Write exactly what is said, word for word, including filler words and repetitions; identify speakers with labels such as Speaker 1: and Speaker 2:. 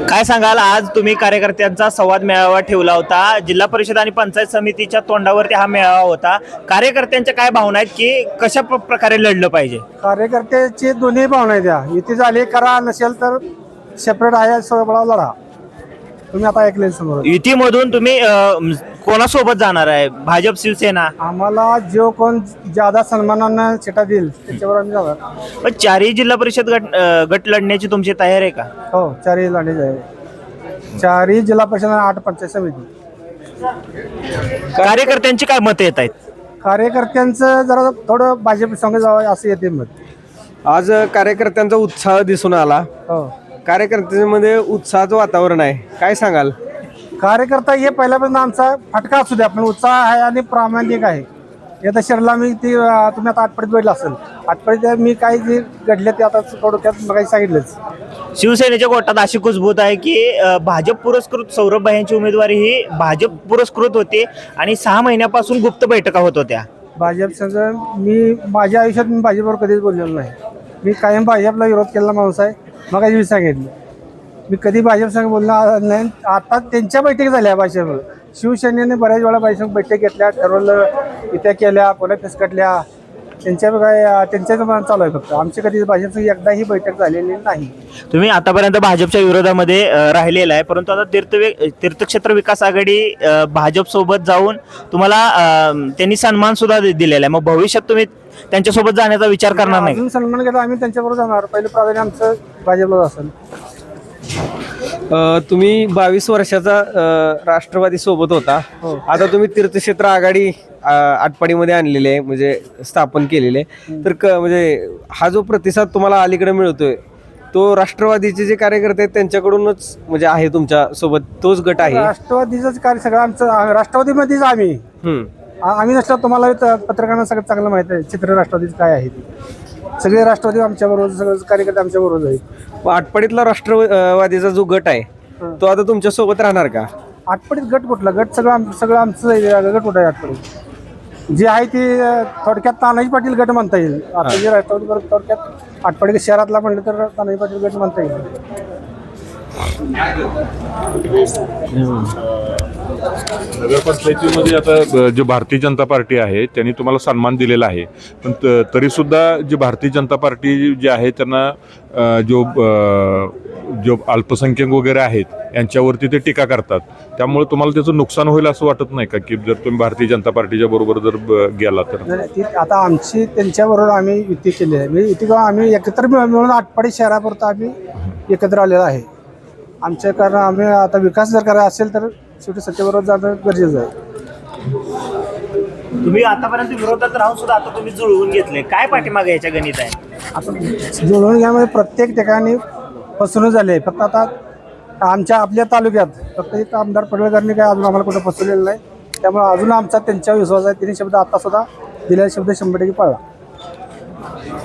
Speaker 1: काय सांगाल, आज तुम्ही कार्यकर्त्यांचा संवाद मेळावा ठेवला होता. जिल्हा परिषद आणि पंचायत समितीच्या तोंडावरती हा मेळावा होता. कार्यकर्त्यांच्या काय भावना आहेत की कशा प- प्रकारे लढलं पाहिजे?
Speaker 2: कार्यकर्त्याची दोन्ही भावना आहेत. त्या युती झाली करा, नसेल तर सेपरेट आहे सोबळा लढा. तुम्ही आता ऐकले समोर.
Speaker 1: युतीमधून तुम्ही अं, कोणासोबत जाणार आहे? भाजप, शिवसेना?
Speaker 2: आम्हाला जो कोण ज्यादा सन्मानानं चिटा देईल त्याच्यावर आम्ही जाणार.
Speaker 1: पण चारही जिल्हा परिषद गट अं, गट लढण्याची तुमची तयारी आहे का?
Speaker 2: हो, चारही लढे आहे. चारही जिल्हा परिषद आणि आठ पंचायत समिती.
Speaker 1: कार्यकर्त्यांची काय मतं येत आहेत?
Speaker 2: कार्यकर्त्यांचं जरा थोडं भाजप संघ जावं असं येते मत.
Speaker 3: आज कार्यकर्त्यांचा उत्साह दिसून आला.
Speaker 2: हो,
Speaker 3: कार्यकर्त्यांमध्ये उत्साहाचं वातावरण आहे. काय सांगाल?
Speaker 2: कार्यकर्ता हे पहिल्यापासून आमचा फटका असू द्या, पण उत्साह आहे आणि प्रामाणिक आहे. आता शहराला मी ती अं, तुम्ही आता आठपडीत बैठला असेल. आठपडीत मी काही जे घडले ते आता थोडक्यात मग सांगितलंच.
Speaker 1: शिवसेनेच्या गोटात अशी कुजबूत आहे की अं, भाजप पुरस्कृत सौरभ भाईंची उमेदवारी ही भाजप पुरस्कृत होती आणि सहा महिन्यापासून गुप्त बैठका होत होत्या.
Speaker 2: भाजप संघ मी माझ्या आयुष्यात मी भाजपवर कधीच बोललेलो नाही. मी कायम भाजपला विरोध केलेला माणूस आहे. मग मी सांगितलं मी कधी भाजप संघ बोलणार नाही. आता त्यांच्या बैठकी झाल्या भाजप शिवसेनेने बऱ्याच वेळा भाजप बैठक घेतल्या, ठरवलं, इत्या केल्या, कोणा फिसकटल्या. त्यांच्या काय त्यांच्याच चालू आहे. फक्त आमची कधी भाजप एकदाही बैठक झालेली नाही.
Speaker 1: तुम्ही आतापर्यंत भाजपच्या विरोधामध्ये अ, राहिलेला आहे, परंतु आता तीर्थ तीर्थक्षेत्र विकास आघाडी अ, भाजप सोबत जाऊन तुम्हाला अ, त्यांनी सन्मान सुद्धा दि- दिलेला आहे. मग भविष्यात तुम्ही त्यांच्यासोबत जाण्याचा विचार करणार नाही?
Speaker 2: अजून सन्मान केला आम्ही त्यांच्याबरोबर जाणार. पहिलं प्राधान्य आमचं भाजपला असेल.
Speaker 3: अ, तुम्ही बावीस वर्षाचा अ, राष्ट्रवादी सोबत होता. आता तुम्ही तीर्थक्षेत्र आघाडी अ, आटपाडीमध्ये आणलेली आहे, म्हणजे स्थापन केलेले. तर क म्हणजे हा जो प्रतिसाद तुम्हाला अलीकडे मिळतोय तो राष्ट्रवादीचे जे कार्यकर्ते आहेत त्यांच्याकडूनच म्हणजे आहे, तुमच्या सोबत तोच गट आहे?
Speaker 2: राष्ट्रवादीचंच कार्य सगळं आमचं आ- राष्ट्रवादीमध्येच आम्ही
Speaker 3: हम्म.
Speaker 2: आ- आम्ही नसलो तुम्हाला त- पत्रकारांना सगळं चांगलं माहिती आहे चित्र राष्ट्रवादीचं काय आहे ते. सगळे राष्ट्रवादी आमच्या बरोबर, सगळं कार्यकर्ते आमच्या बरोबर आहेत.
Speaker 3: मग आटपाडीतला राष्ट्रवादीचा जो गट आहे तो आता तुमच्या सोबत राहणार का?
Speaker 2: आटपडीत गट कुठला गट? सगळं आम सगळं आमचं आहे. गट कुठं आहे आटपडीत? जे आहे ते अं, थोडक्यात तानाजी पाटील गट म्हणता येईल. आता जे राष्ट्रवादी बरोबर थोडक्यात आटपाडी शहरातला म्हणलं तर तानाजी पाटील गट म्हणता येईल.
Speaker 4: नगरपंचायतीमध्ये आता जे भारतीय जनता पार्टी आहे त्यांनी तुम्हाला सन्मान दिलेला आहे, पण त- तरीसुद्धा जे भारतीय जनता पार्टी जे आहे त्यांना अ, जो अ, जो अल्पसंख्याक वगैरे आहेत यांच्यावरती ते टीका करतात. त्यामुळे तुम्हाला त्याचं नुकसान होईल असं वाटत नाही का, की जर तुम्ही भारतीय जनता पार्टीच्या बरोबर जर ब- गेला तर?
Speaker 2: नाही, ती आता आमची त्यांच्याबरोबर आम्ही युती केली आहे. म्हणजे युती करून आम्ही एकत्र मिळ- मिळून आटपाडी शहरापुरतं आम्ही एकत्र आलेलो आहे. आमच्या कारण आम्ही आता विकास जर करायचा असेल तर शेवटी सत्तेबरोबर जाणं गरजेचं आहे.
Speaker 1: तुम्ही आतापर्यंत विरोधात राहून सुद्धा आता तुम्ही जुळवून घेतले, काय पाठीमागे याच्या गणित आहे?
Speaker 2: आता जुळवून घ्यामध्ये प्रत्येक ठिकाणी फसवणूक झाली आहे. फक्त आता आमच्या आपल्या तालुक्यात फक्त एक आमदार पडळकरनी काय अजून आम्हाला कुठं फसवलेलं नाही. त्यामुळे अजून आमचा त्यांच्यावर विश्वास आहे. तिने शब्द आता सुद्धा दिलेला शब्द शंभर टक्के पाळला.